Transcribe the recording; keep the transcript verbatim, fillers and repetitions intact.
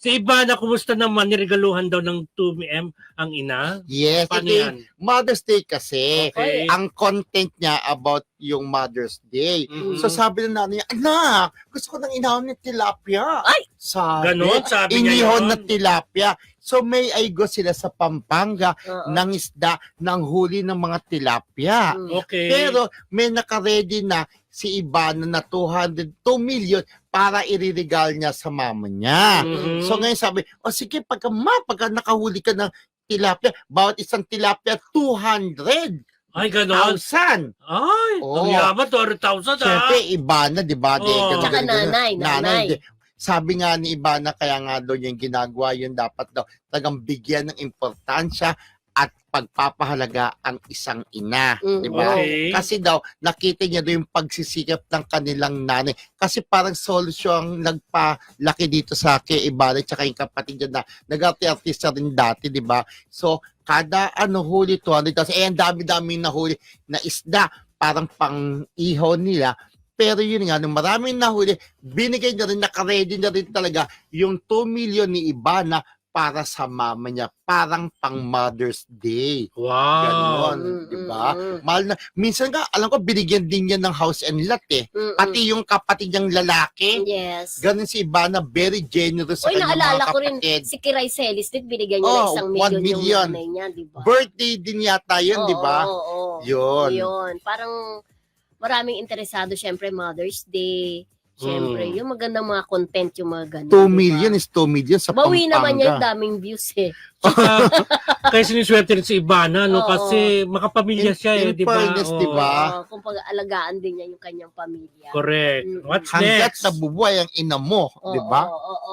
Si Ivana, kumusta naman? Niregaluhan daw ng two M ang ina? Yes, Paano ito yung yan? Mother's Day kasi. Okay. Ang content niya about yung Mother's Day. Mhm. So sabi ng nanay niya, anak, gusto ko ng inahon ng tilapia. Ay! Sabi, Ganon, sabi niya inihon yun. na tilapia. So may aigo sila sa Pampanga Oo. ng isda ng huli ng mga tilapia. Mm. Okay. Pero may nakaredy na si Ivana na two hundred two million para iriregal niya sa mama niya. Mhm. So ngayon sabi, o sige, pagka, ma, pagka nakahuli ka ng tilapia, bawat isang tilapia, two hundred Ay, ganon. thousand. Ay, Oo. ang yaman, two hundred thousand ah. Siyempre, Ivana, di ba? Di, Oo. ganun, Tsaka ganun, ganun. nanay, nanay. di- Sabi nga ni Ivana, kaya nga daw yung ginagawa yun, dapat daw talagang bigyan ng importansya at pagpapahalaga ang isang ina. Mm, Di ba? Okay. Kasi daw, nakita niya doon yung pagsisikap ng kanilang nanay. Kasi parang solusyon ang nagpalaki dito sa kay Ivana at yung kapatid niya na nag-artista rin dati, di ba? So, kada ano huli, two hundred thousand, eh, ang dami-dami nahuli na isda, parang pang-ihaw nila. Pero yun nga, nung maraming nahuli, binigay na rin, nakaredy na rin talaga yung two million ni Ivana para sa mama niya. Parang pang Mother's Day. Wow. Ganon, Mm, di ba? mm, mm. Mahal na. Minsan nga, alam ko, binigyan din niya ng house and lot eh. Mm-mm. Pati yung kapatid niyang lalaki, Yes. ganon si Ivana, very generous sa Uy, kanyang naalala mga ko rin, kapatid. si Kiray Celis din, binigyan niya Oh, ng isang one million, million. yung nanay niya, di ba? Birthday din yata yun, di ba? Oo, oo, oo. Yun. Yun. Parang maraming interesado, syempre, Mother's Day. Syempre, Mm. yung magandang mga content, yung mga ganun. two di ba? million is two million sa Bawi naman niya yung Pampanga. daming views eh. Saka, kaya siniswerte rin si Ivana, no? Oo. Kasi makapamilya In- siya eh, in di ba? fairness, di ba? Ah. Oo, kung pag-alagaan din niya yung kanyang pamilya. Correct. Mm. What's Hanggat next? nabubuhay ang ina mo, Oo, di ba? oo, oo.